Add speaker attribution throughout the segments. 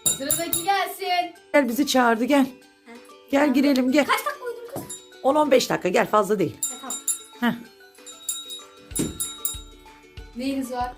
Speaker 1: Sıradaki gelsin.
Speaker 2: Gel bizi çağırdı gel. Gel girelim gel.
Speaker 3: Kaç dakika uyudun kız?
Speaker 2: 10-15 dakika gel fazla değil.
Speaker 3: Tamam.
Speaker 2: Heh.
Speaker 1: Neyiniz var?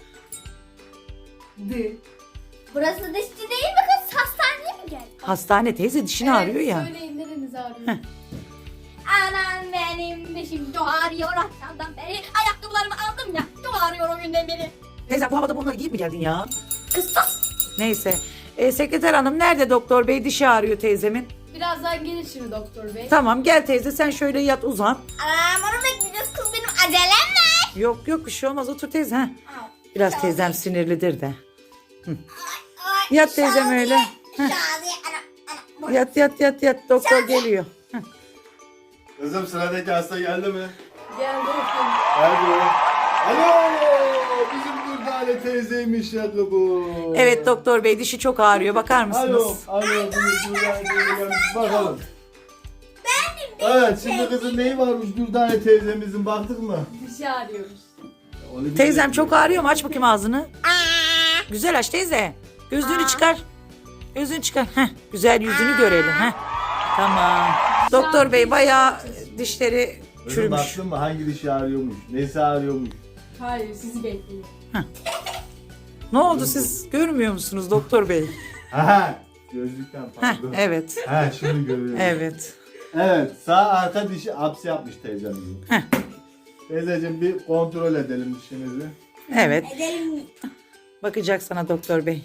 Speaker 3: Burası dişçi değil mi kız? Hastaneye mi geldin?
Speaker 2: Hastane teyze dişini ağrıyor ya.
Speaker 1: Söyleyin nereniz ağrıyor?
Speaker 3: Anam benim dişim çok ağrıyor akşamdan beri. Ayakkabılarımı aldım ya. Çok ağrıyor o günden beri.
Speaker 2: Teyze bu havada bunları giyip mi geldin ya?
Speaker 3: Kız sus.
Speaker 2: Neyse. Sekreter hanım nerede doktor bey? Dişi ağrıyor teyzemin.
Speaker 1: Birazdan gelir şimdi doktor bey.
Speaker 2: Tamam gel teyze sen şöyle yat uzan.
Speaker 3: Anam onu bekleyeceğiz kız benim acelem var.
Speaker 2: Yok bir şey olmaz otur teyze. Heh.
Speaker 3: Ay,
Speaker 2: Biraz teyzem sinirlidir de.
Speaker 3: ay,
Speaker 2: Yat teyzem
Speaker 3: Şadiye,
Speaker 2: öyle. Heh.
Speaker 3: Şadiye, anam.
Speaker 2: Yat doktor geliyor.
Speaker 4: Kızım sıradaki hasta geldi mi?
Speaker 1: Geldi efendim.
Speaker 4: Geldi. Alo! Bizim Dürdane teyzeymiş ya bu.
Speaker 2: Evet doktor bey dişi çok ağrıyor bakar mısınız?
Speaker 4: Alo. Bizim Dürdane teyzemiz. Bakalım. Evet şimdi kızın neyi varmış Dürdane teyzemizin baktık mı?
Speaker 1: Dişi ağrıyormuş.
Speaker 4: Onu bir
Speaker 2: Teyzem
Speaker 4: de-
Speaker 2: çok ağrıyor mu? Aç bakayım ağzını. Güzel aç teyze. Gözlüğünü çıkar. Gözlüğünü çıkar. Heh, güzel yüzünü görelim. Heh. Tamam. Doktor bey bayağı dişleri
Speaker 4: Kızım
Speaker 2: çürümüş.
Speaker 4: baktın mı hangi dişi ağrıyormuş? Nesi ağrıyormuş?
Speaker 1: Hayır sizi bekliyor.
Speaker 2: Ne oldu siz görmüyor musunuz doktor bey?
Speaker 4: Aha! Gözlükten
Speaker 2: Heh,
Speaker 4: pardon.
Speaker 2: evet.
Speaker 4: Ha şimdi görüyorum.
Speaker 2: Evet.
Speaker 4: Evet, sağ arka dişi apsi yapmış teyzemizin.
Speaker 2: Heh.
Speaker 4: Teyzeciğim bir kontrol edelim dişinizi.
Speaker 2: Evet.
Speaker 3: Edelim.
Speaker 2: Bakacak sana doktor bey.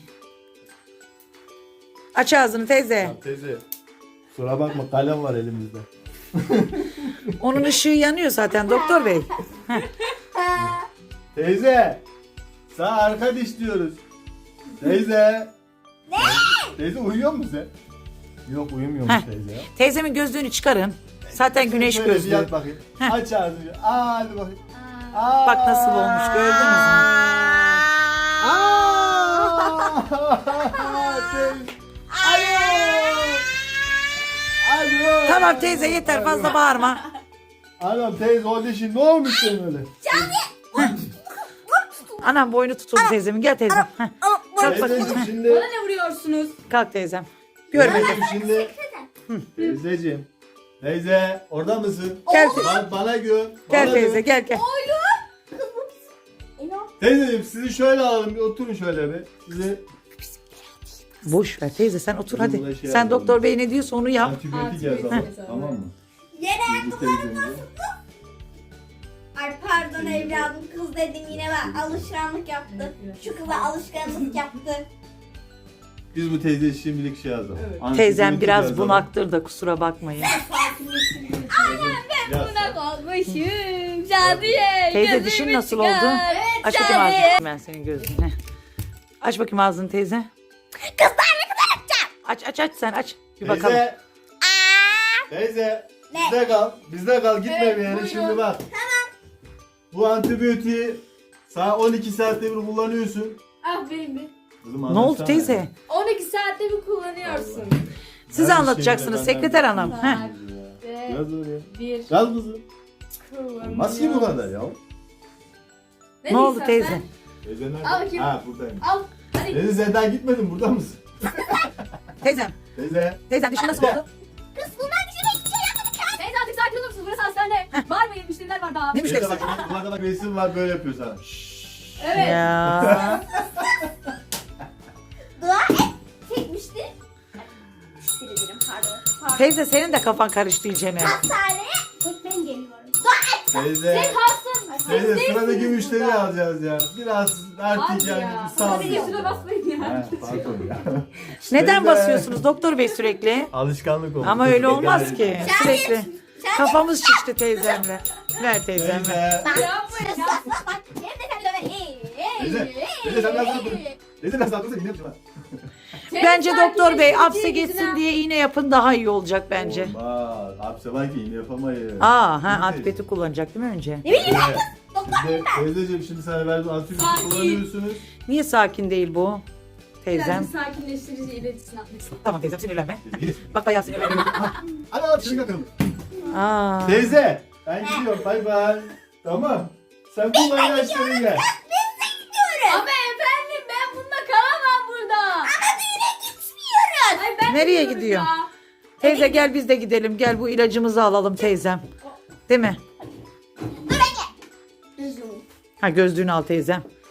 Speaker 2: Aç ağzını teyze.
Speaker 4: Ya teyze, kusura bakma kalem var elimizde.
Speaker 2: Onun ışığı yanıyor zaten doktor bey.
Speaker 4: Teyze, sağ arka diş diyoruz. Teyze. Ne? Teyze uyuyor musun sen? Yok uyumuyormuş
Speaker 2: Heh.
Speaker 4: teyze ya.
Speaker 2: Teyzemin gözlüğünü çıkarın. Zaten güneş
Speaker 4: Şöyle bir
Speaker 2: gözlüğü.
Speaker 4: yat bakayım.
Speaker 2: Heh.
Speaker 4: Aç ağzını. Hadi bakayım. Aa.
Speaker 2: Bak nasıl olmuş gördünüz mü?
Speaker 4: Teyze. Alo.
Speaker 2: Tamam teyze yeter fazla bağırma.
Speaker 4: Anam teyze o dişin ne olmuş senin öyle?
Speaker 2: Anam boynu tutuldu teyzemin. Gel teyzem. Heh. Kalk bakayım.
Speaker 4: Teyzeciğim
Speaker 1: Bana
Speaker 4: şimdi.
Speaker 1: ne vuruyorsunuz?
Speaker 2: Kalk teyzem. Görmedim.
Speaker 4: Teyzeciğim şimdi. Teyzeciğim. Teyze orada mısın?
Speaker 2: Gel,
Speaker 4: Bana gör.
Speaker 2: gel
Speaker 4: bana
Speaker 2: teyze
Speaker 4: gör.
Speaker 2: gel.
Speaker 4: Teyzeciğim sizi şöyle alalım bir oturun şöyle bir. Sizi
Speaker 2: Boş ver teyze sen otur
Speaker 4: Bizim
Speaker 2: hadi.
Speaker 4: buna şey
Speaker 2: Sen
Speaker 4: yapalım.
Speaker 2: doktor bey ne diyorsa onu yap.
Speaker 4: antibiyotik
Speaker 1: Antibiyotik
Speaker 4: yazalım.
Speaker 1: yazalım.
Speaker 4: Tamam mı?
Speaker 3: Yere
Speaker 4: Bu teyzemize.
Speaker 3: Ay pardon evladım kız dedim yine ben alışkanlık yaptı. Şu kıza alışkanlık yaptı.
Speaker 4: Biz bu teyzeye şimdilik şey yazalım.
Speaker 1: Evet.
Speaker 2: Teyzem
Speaker 4: Antibiyotik
Speaker 2: biraz
Speaker 4: yazalım.
Speaker 2: bunaktır da kusura bakmayın.
Speaker 4: Yaz.
Speaker 3: Buna kalmışım Şadiye.
Speaker 2: Teyze
Speaker 3: gözümü
Speaker 2: dişin nasıl
Speaker 3: çıkar.
Speaker 2: oldu? Aç bakayım
Speaker 3: Şadiye.
Speaker 2: ağzını. Ben senin gözünü. Aç bakayım ağzını teyze.
Speaker 3: Kızlar ne kadar açacağım?
Speaker 2: Aç sen aç. Bir bakalım.
Speaker 4: Teyze. Teyze.
Speaker 3: Ne?
Speaker 4: Bizde kal. Bizde kal. Gitme
Speaker 1: Evet,
Speaker 4: bir yere.
Speaker 1: buyurun.
Speaker 4: Şimdi bak. Bu antibiyotiği sana 12 saatte bir kullanıyorsun.
Speaker 1: Ah benim bir.
Speaker 4: Kızım,
Speaker 2: Ne oldu
Speaker 4: anlatsana.
Speaker 2: teyze?
Speaker 1: 12 saatte bir kullanıyorsun.
Speaker 2: Siz
Speaker 4: Her
Speaker 2: anlatacaksınız
Speaker 4: şeyi de
Speaker 2: sekreter
Speaker 4: benden
Speaker 2: hanım.
Speaker 4: duyuyorsun
Speaker 2: Heh.
Speaker 4: ya.
Speaker 1: Ve
Speaker 4: Yaz oraya.
Speaker 1: bir
Speaker 4: Yaz kızım.
Speaker 1: kullanıyorsun.
Speaker 4: Nasıl ki bu kadar ya?
Speaker 2: Ne oldu
Speaker 1: diyorsun
Speaker 2: teyze?
Speaker 1: sen?
Speaker 4: Teyze nerede?
Speaker 1: Al bakayım.
Speaker 4: Ha buradayım.
Speaker 1: Al. Hadi.
Speaker 4: Teyze sen daha gitmedin burada mısın?
Speaker 2: Teyzem.
Speaker 4: Teyze.
Speaker 2: Teyzem dişin nasıl oldu?
Speaker 3: Kız bunlar dişine hiçbir şey yapmadık ya.
Speaker 1: Teyze artık sakin olur musunuz? Burası hastane. Bağırmayın müşteriler var daha.
Speaker 2: Ne
Speaker 4: Teyze
Speaker 2: müşterisi?
Speaker 4: bak yukarıda bak resim var böyle yapıyor sana.
Speaker 1: Evet.
Speaker 2: Ya.
Speaker 3: Dua et. Çekmişti. Müşteri dedim pardon.
Speaker 2: Teyze senin de kafan karıştı iyicene.
Speaker 3: Hastaneye tek ben geliyorum. Dua et.
Speaker 4: Teyze.
Speaker 1: Sen kalsın.
Speaker 4: Teyze
Speaker 1: Siz
Speaker 4: sıradaki
Speaker 1: değilsiniz
Speaker 4: müşteri
Speaker 1: burada.
Speaker 4: alacağız ya. Biraz artık
Speaker 1: Hadi
Speaker 4: yani
Speaker 1: ya.
Speaker 4: bir sağ
Speaker 1: Hadi şuna basmayın ya.
Speaker 4: Pardon ya.
Speaker 2: Neden
Speaker 4: Teyze.
Speaker 2: basıyorsunuz doktor bey sürekli?
Speaker 4: Alışkanlık oldu.
Speaker 2: Ama öyle olmaz ki.
Speaker 3: Şahit.
Speaker 2: Sürekli.
Speaker 3: Şahit.
Speaker 2: Kafamız şişti teyzemle. Ver teyzemle.
Speaker 4: Teyze.
Speaker 1: Yapmayın ya.
Speaker 3: Bak hem de sen döver.
Speaker 4: Teyze. Teyze sen nasıl yapıyorsun? Teyze nasıl yapıyorsun? Yine yapacağım.
Speaker 2: Bence doktor bey hapse
Speaker 1: Sakinleştirici
Speaker 2: geçsin
Speaker 1: yüzüne-
Speaker 2: diye iğne yapın daha iyi olacak bence.
Speaker 4: Olmaz. Hapse var ki yine yapamayız.
Speaker 2: Aa,
Speaker 4: Teyze.
Speaker 2: antibiyotik kullanacak değil mi önce?
Speaker 4: Teyze, teyzeciğim şimdi sana verdiğim antibiyotik
Speaker 1: Sakin.
Speaker 4: kullanıyorsunuz.
Speaker 2: Niye sakin değil bu? Teyzem.
Speaker 1: Birazcık sakinleştirici iletişim atmak istedim.
Speaker 2: Tamam teyzem sinirlenme.
Speaker 4: Teyze, git.
Speaker 2: Bak bayağı sinirlenme.
Speaker 4: Hadi şimdi bakalım.
Speaker 2: Aa.
Speaker 4: Teyze ben gidiyorum bay bay. Tamam. Sen kullan ilaçlarını gel.
Speaker 1: Ama efendim ben bununla kalamam burada.
Speaker 3: Ama düğüne gitmiyor.
Speaker 2: Nereye gidiyor? Teyze gel biz de gidelim. Gel bu ilacımızı alalım teyzem. Değil mi?
Speaker 3: Dur bekle. Üzüm.
Speaker 2: Ha gözlüğünü al teyzem.